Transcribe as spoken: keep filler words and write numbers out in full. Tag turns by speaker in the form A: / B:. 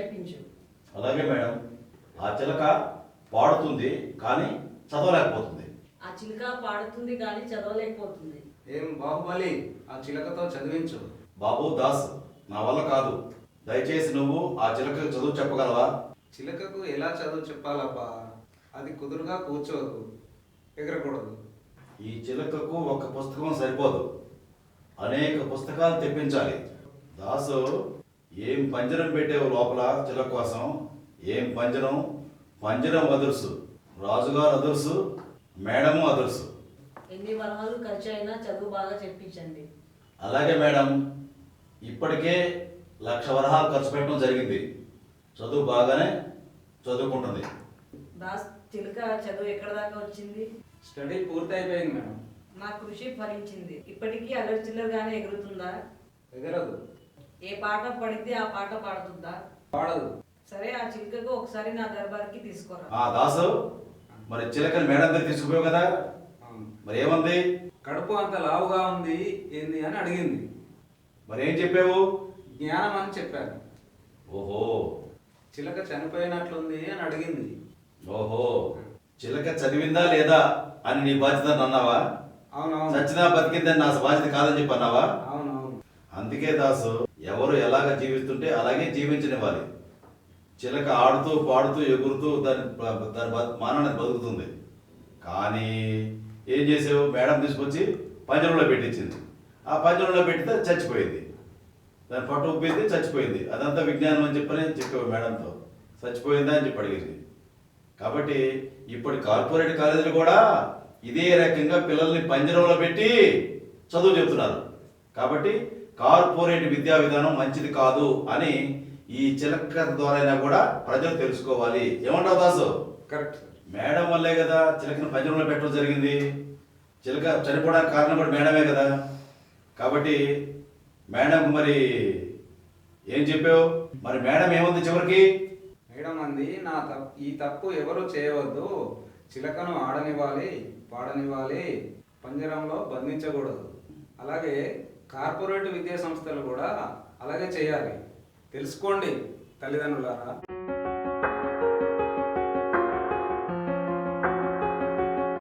A: చెప్పించు.
B: అలాగే మేడం. ఆ చిలక పాడుతుంది కానీ చదవలేకపోతుంది.
A: ఆ చిలుక పాడుతుంది కానీ చదవలేకపోతుంది.
C: ఏం బాహుబలి, ఆ చిలకతో చదివించు.
B: బాబు దాస్, నా వల్ల కాదు. దయచేసి నువ్వు ఆ చిలకకు చదువు చెప్పగలవా?
C: చిలకకు ఎలా చదువు చెప్పాలబ్బా? అది కుదురుగా కూర్చోదు, ఎగరకూడదు.
B: ఈ చిలకకు ఒక పుస్తకం సరిపోదు, అనేక పుస్తకాలు తెప్పించాలి. దాసు, ఏం పంజరం పెట్టేవు లోపల చిలక కోసం? ఏం పంజరం? పంజరం అదుర్సు, రాజుగారు అదుర్సు, మేడము అదుర్సు.
A: ఎన్ని వరహాలు ఖర్చు అయినా చదువు బాగా చెప్పించండి.
B: అలాగే మేడం. ఇప్పటికే లక్ష వరహాలు ఖర్చు పెట్టడం జరిగింది. చదువు బాగానే చదువుకుంటుంది.
A: దాస్, చిలుక చదువు ఎక్కడ దాకా వచ్చింది?
C: స్టడీ పూర్తి అయిపోయింది మేడం.
A: నా కృషి ఫలించింది. ఇప్పటికీ అల్లరి చిల్లరగానే ఎగురుతుందా?
C: ఎగరదు.
A: ఏ పాట పడితే ఆ పాట పాడుతుందా?
C: పాడదు.
A: సరే, ఆ చిలుకకు ఒకసారి నా దర్బార్కి తీసుకోరా.
B: ఆ దాసు, మరి చిలకని మేడం దగ్గర తీసుకుపోయావు కదా, మరి ఏమంది?
C: కడుపు అంత లావుగా ఉంది ఏంది అని అడిగింది.
B: మరి ఏం చెప్పావు?
C: జ్ఞానం అని చెప్పాను.
B: ఓహో.
C: చిలక చనిపోయినట్లుంది అని అడిగింది.
B: ఓహో. చిలక చదివిందా లేదా అని నీ బాధ్యత అన్నావా?
C: అవునవును.
B: చచ్చినా బతికిందని నా బాధ్యత కాదని చెప్పి అన్నావా?
C: అవునవును.
B: అందుకే దాసు, ఎవరు ఎలాగ జీవిస్తుంటే అలాగే జీవించనివ్వాలి. చిలక ఆడుతూ పాడుతూ ఎగురుతూ దాని దాని మానాన్ని బతుకుతుంది. కానీ ఏం చేసావు? మేడం తీసుకొచ్చి పంజరంలో పెట్టించింది. ఆ పంజరంలో పెట్టితే చచ్చిపోయింది. దాని పట్టు ఉబ్బింది, చచ్చిపోయింది. అదంతా విజ్ఞానం అని చెప్పని చెప్పావు మేడంతో. చచ్చిపోయిందా అని చెప్పి అడిగింది. కాబట్టి ఇప్పటి కార్పొరేట్ కాలేజీలు కూడా ఇదే రకంగా పిల్లల్ని పంజరంలో పెట్టి చదువు చెప్తున్నారు. కాబట్టి కార్పొరేట్ విద్యా విధానం మంచిది కాదు అని ఈ చిలక ద్వారా కూడా ప్రజలు తెలుసుకోవాలి. ఏమంటావు దాసు?
C: కరెక్ట్.
B: మేడం వల్లే కదా చిలకని పంజరంలో పెట్టడం జరిగింది. చిలక చనిపోవడానికి కారణం కూడా మేడమే కదా. కాబట్టి మేడంకు మరి ఏం చెప్పావు? మరి మేడం ఏముంది చివరికి?
C: మేడం అంది, నా తప్పు ఈ తప్పు ఎవరు చేయవద్దు. చిలకను ఆడనివ్వాలి, పాడనివ్వాలి, పంజరంలో బంధించకూడదు. అలాగే కార్పొరేట్ విద్యా సంస్థలు కూడా అలాగే చేయాలి. తెలుసుకోండి తల్లిదండ్రులారా.